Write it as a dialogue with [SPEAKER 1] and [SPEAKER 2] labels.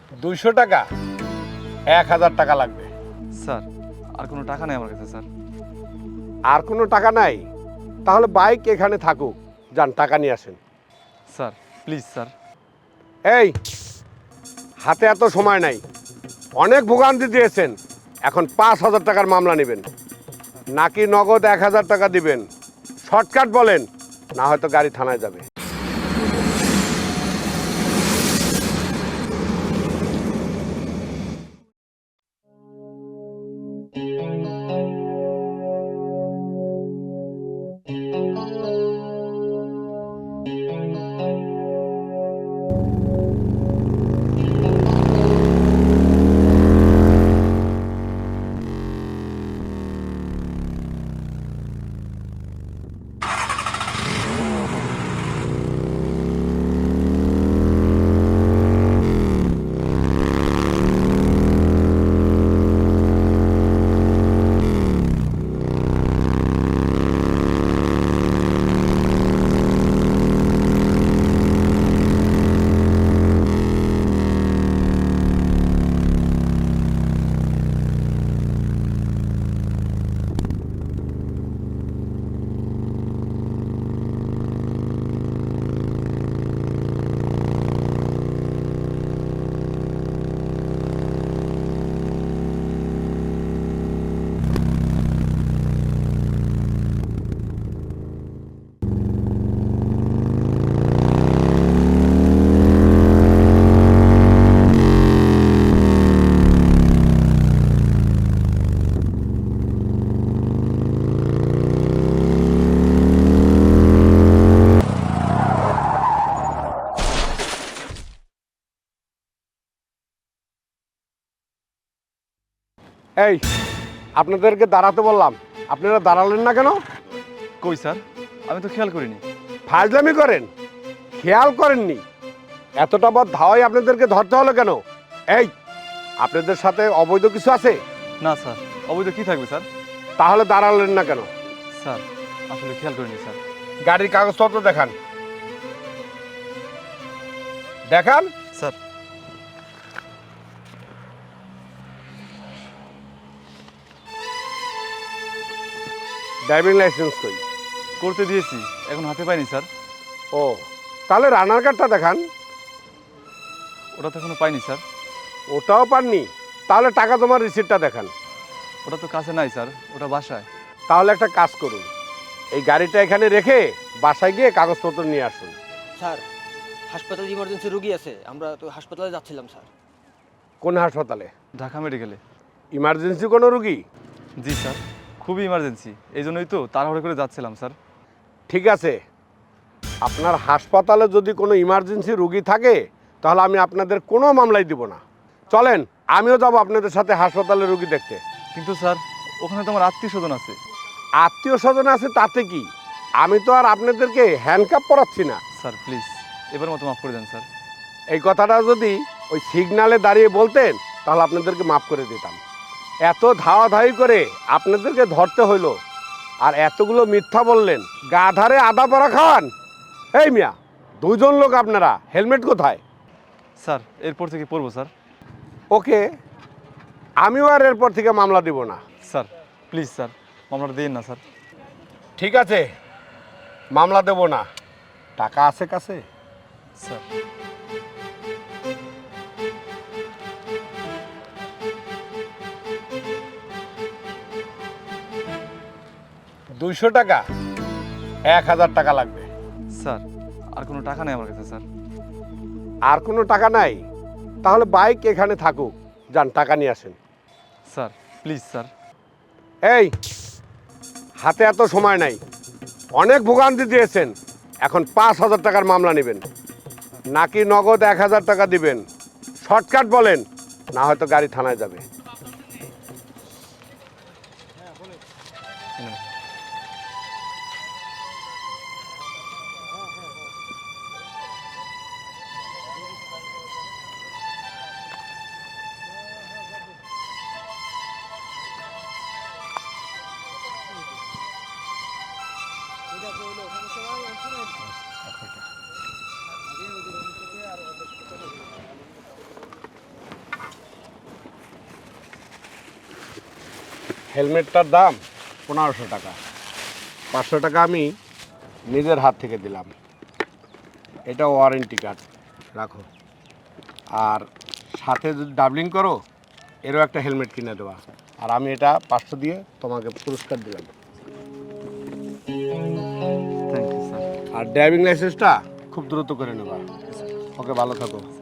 [SPEAKER 1] 200 টাকা? 1000 টাকা লাগবে।
[SPEAKER 2] স্যার আর কোনো টাকা নেই আমার কাছে স্যার।
[SPEAKER 1] আর কোনো টাকা নাই? তাহলে বাইক এখানে থাকুক, যান টাকা নিয়ে আসেন।
[SPEAKER 2] Sir please sir.
[SPEAKER 1] এই, হাতে এত সময় নাই, অনেক ভোগান্তি দিয়েছেন, এখন 5000 টাকার মামলা নেবেন নাকি নগদ 1000 টাকা দিবেন? শর্টকাট বলেন, না হয়তো গাড়ি থানায় যাবে। এই, আপনাদেরকে দাঁড়াতে বললাম, আপনারা দাঁড়ালেন না কেন?
[SPEAKER 2] কই স্যার, আমি তো খেয়াল করিনি।
[SPEAKER 1] ফাজলামি করেন, খেয়াল করেননি? এতটা বড় ধাওয়াই আপনাদেরকে ধরতে হলো কেন? এই, আপনাদের সাথে অবৈধ কিছু আছে?
[SPEAKER 2] না স্যার, অবৈধ কি থাকবে স্যার?
[SPEAKER 1] তাহলে দাঁড়ালেন না কেন?
[SPEAKER 2] স্যার আসলে খেয়াল করিনি স্যার।
[SPEAKER 1] গাড়ির কাগজপত্র দেখান, দেখান।
[SPEAKER 2] স্যার
[SPEAKER 1] ড্রাইভিং লাইসেন্স কই?
[SPEAKER 2] করতে দিয়েছি, এখন হাতে পাইনি স্যার।
[SPEAKER 1] ও, তাহলে রানার কার্ডটা দেখান।
[SPEAKER 2] ওটা তো এখনো পাইনি স্যার।
[SPEAKER 1] ওটাও পাননি? তাহলে টাকা জমার রিসিপ্টটা দেখান।
[SPEAKER 2] ওটা তো কাছে নাই স্যার, ওটা বাসায়।
[SPEAKER 1] তাহলে একটা কাজ করুন, এই গাড়িটা এখানে রেখে বাসায় গিয়ে কাগজপত্র নিয়ে আসুন।
[SPEAKER 3] স্যার, হাসপাতালে ইমার্জেন্সি রুগী আছে, আমরা তো হাসপাতালে যাচ্ছিলাম স্যার।
[SPEAKER 1] কোন হাসপাতালে?
[SPEAKER 2] ঢাকা মেডিকেলে।
[SPEAKER 1] ইমার্জেন্সি কোনো রুগী?
[SPEAKER 2] জি স্যার, খুবই ইমার্জেন্সি, এই জন্যই তো তাড়াহুড়ো করে যাচ্ছিলাম স্যার।
[SPEAKER 1] ঠিক আছে, আপনার হাসপাতালে যদি কোনো ইমার্জেন্সি রুগী থাকে তাহলে আমি আপনাদের কোনো মামলাই দিব না। চলেন, আমিও যাব আপনাদের সাথে হাসপাতালে রুগী দেখতে।
[SPEAKER 2] কিন্তু স্যার, ওখানে তো আমার আত্মীয় স্বজন আছে।
[SPEAKER 1] আত্মীয় স্বজন আছে তাতে কি? আমি তো আর আপনাদেরকে হ্যান্ডকাপ পরাচ্ছি না।
[SPEAKER 2] স্যার প্লিজ, এবার মতো মাফ করে দেন স্যার।
[SPEAKER 1] এই কথাটা যদি ওই সিগনালে দাঁড়িয়ে বলতেন তাহলে আপনাদেরকে মাফ করে দিতাম। এত ধাওয়াধাওয়ি করে আপনাদেরকে ধরতে হইলো, আর এতগুলো মিথ্যা বললেন, গাধারে আদা পরা খান। এই মিয়া, দুজন লোক আপনারা, হেলমেট কোথায়?
[SPEAKER 2] স্যার এরপর থেকে পড়বো স্যার।
[SPEAKER 1] ওকে, আমিও আর এরপর থেকে মামলা দিব না।
[SPEAKER 2] স্যার প্লিজ স্যার, মামলাটা দিন না স্যার।
[SPEAKER 1] ঠিক আছে, মামলা দেব না। টাকা আছে কাছে?
[SPEAKER 2] স্যার
[SPEAKER 1] 200 টাকা? 1000 টাকা লাগবে।
[SPEAKER 2] স্যার আর কোনো টাকা নেই আমার কাছে স্যার।
[SPEAKER 1] আর কোনো টাকা নাই? তাহলে বাইক এখানে থাকুক, যান টাকা নিয়ে আসেন।
[SPEAKER 2] Sir please sir.
[SPEAKER 1] এই, হাতে এত সময় নাই, অনেক ভোগান্তি দিয়েছেন, এখন 5000 টাকার মামলা নেবেন নাকি নগদ 1000 টাকা দিবেন? শর্টকাট বলেন, না হয়তো গাড়ি থানায় যাবে। হেলমেটটার দাম 1500 টাকা। 500 টাকা আমি নিজের হাত থেকে দিলাম। এটা ওয়ারেন্টি কার্ড রাখো। আর সাথে যদি ডাবলিং করো এরও একটা হেলমেট কিনে দেওয়া। আর আমি এটা 500 দিয়ে তোমাকে পুরস্কার দিলাম।
[SPEAKER 2] Thank you sir.
[SPEAKER 1] আর ড্রাইভিং লাইসেন্সটা খুব দ্রুত করে নেবা। ওকে, ভালো থাকো।